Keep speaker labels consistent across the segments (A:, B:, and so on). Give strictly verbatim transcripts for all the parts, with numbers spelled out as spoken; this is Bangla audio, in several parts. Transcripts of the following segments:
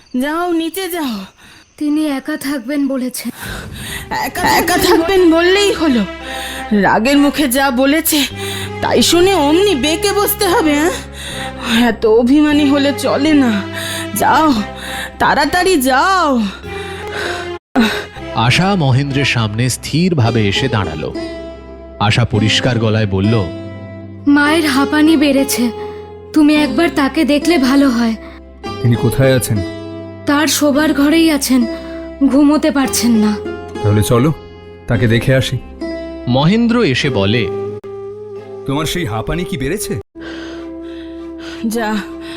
A: যাও নিচে যাও।
B: তিনি একা থাকবেন বলেছেন।
A: একা একা থাকবেন বললেই হলো? রাগের মুখে যা বলেছে তাই শুনে অমনি বেঁকে বসতে হবে? হ্যাঁ, এত অভিমানী হলে চলে না। যাও তাড়াতাড়ি যাও।
C: আশা মহেন্দ্রের সামনে স্থিরভাবে এসে দাঁড়ালো। আশা পরিষ্কার গলায় বলল,
B: মায়ের হাঁপানি বেড়েছে, তুমি একবার তাকে দেখলে ভালো হয়।
D: তিনি কোথায় আছেন?
B: তার শোবার ঘরেই আছেন, ঘুমোতে পারছেন না।
D: তাহলে চলো তাকে দেখে আসি।
C: মহেন্দ্র এসে বলে,
D: তোমার সেই হাঁপানি কি বেড়েছে?
A: যা,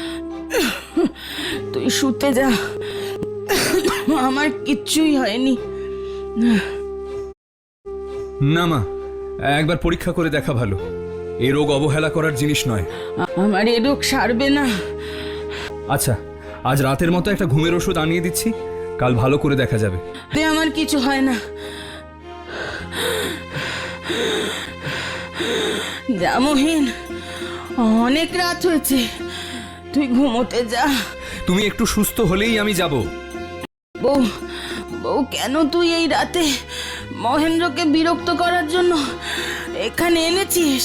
A: তুই শুতে যা, আমার কিচ্ছুই হয়নি।
D: না মা, একবার পরীক্ষা করে দেখা ভালো। এ রোগ অবহেলা করার জিনিস নয়।
A: আমার এ রোগ সারবে না।
D: আচ্ছা, আজ রাতের মতো একটা ঘুমের ওষুধ আনিয়ে দিচ্ছি, কাল ভালো করে দেখা যাবে।
A: তে আমার কিছু হয় না। যা মহিন, অনেক রাত হয়েছে, তুই ঘুমোতে যা।
D: তুমি একটু সুস্থ হলেই আমি যাব।
A: বউ, বউ কেন তুই এই রাতে মহেন্দ্রকে বিরক্ত করার জন্য এখানে এনেছিস?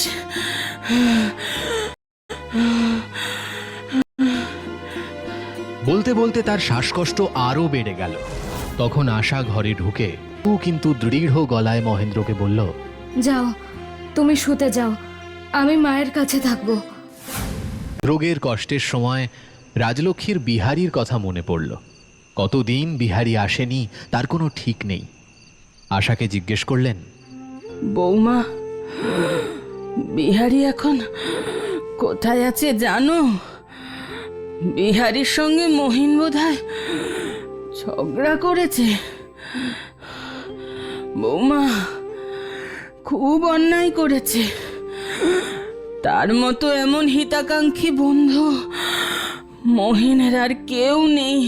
C: বলতে বলতে তার শ্বাসকষ্ট আরও বেড়ে গেল। তখন আশা ঘরে ঢুকে ও কিন্তু দৃঢ় গলায় মহেন্দ্রকে বলল,
B: যাও, তুমি শুতে যাও, আমি মায়ের কাছে থাকবো।
C: রোগের কষ্টের সময় রাজলক্ষ্মীর বিহারীর কথা মনে পড়ল। কতদিন বিহারী আসেনি তার কোনো ঠিক নেই। আশাকে জিজ্ঞেস করলেন,
A: বৌমা, বিহারী এখন কোথায় আছে জানো? বিহারীর সঙ্গে মহিন বোধহয় ঝগড়া করেছে। বৌমা খুব অন্যায় করেছে। তার মতো এমন হিতাকাঙ্ক্ষী বন্ধু মহিনের আর কেউ নেই।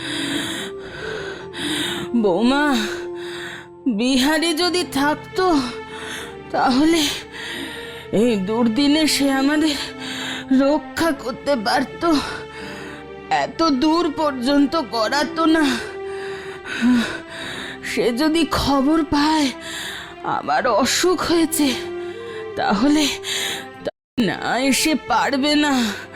A: বৌমা, বিহারী যদি থাকতো তাহলে এই দুর্দিনে সে আমাদের রক্ষা করতে পারত। এত দূর পর্যন্ত করাতো না। সে যদি খবর পায় আমার অসুখ হয়েছে তাহলে না এসে পারবে না।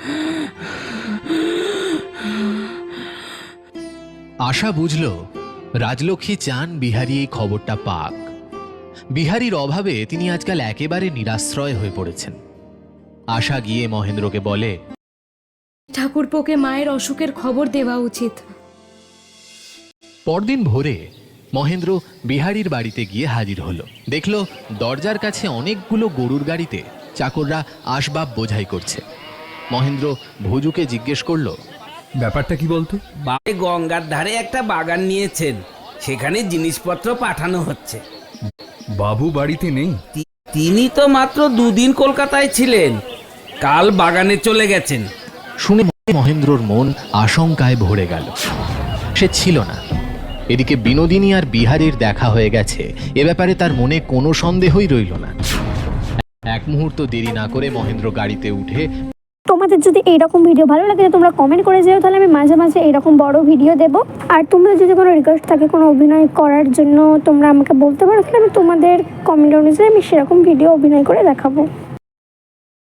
C: আশা বুঝল রাজলক্ষ্মী চান বিহারী এই খবরটা পাক। বিহারীর অভাবে তিনি আজকাল একেবারে নিরাশ্রয় হয়ে পড়েছেন। আশা গিয়ে মহেন্দ্রকে বলে,
B: ঠাকুরপোকে মায়ের অসুখের খবর দেওয়া উচিত।
C: পরদিন ভোরে মহেন্দ্র বিহারীর বাড়িতে গিয়ে হাজির হলো। দেখল দরজার কাছে অনেকগুলো গরুর গাড়িতে চাকররা আসবাব বোঝাই করছে। মহেন্দ্র ভুজুকে জিজ্ঞেস করল,
D: ব্যাপারটা কি বলতো?
E: বাড়ি গঙ্গার ধারে একটা বাগান নিয়েছেন, সেখানে জিনিসপত্র পাঠানো হচ্ছে।
D: বাবু বাড়িতে নেই?
E: তি- তিনি তো মাত্র দুদিন কলকাতায় ছিলেন, কাল বাগানে চলে গেছেন।
C: শুনে মহেন্দ্রর মন আশঙ্কায় ভরে গেল। সে ছিল না। এদিকে বিনোদিনী আর বিহারীর দেখা হয়ে গেছে, এ ব্যাপারে তার মনে কোনো সন্দেহই রইল না। এক মুহূর্ত দেরি না করে মহেন্দ্র গাড়িতে উঠে,
F: তোমাদের যদি এইরকম ভিডিও ভালো লাগে তোমরা কমেন্ট করে যেও, তাহলে আমি মাঝে মাঝে এরকম বড় ভিডিও দেবো। আর তোমরা যদি কোনো রিকোয়েস্ট থাকে কোনো অভিনয় করার জন্য তোমরা আমাকে বলতে পারো, তাহলে আমি তোমাদের কমেন্ট অনুযায়ী আমি সেরকম ভিডিও অভিনয় করে দেখাবো।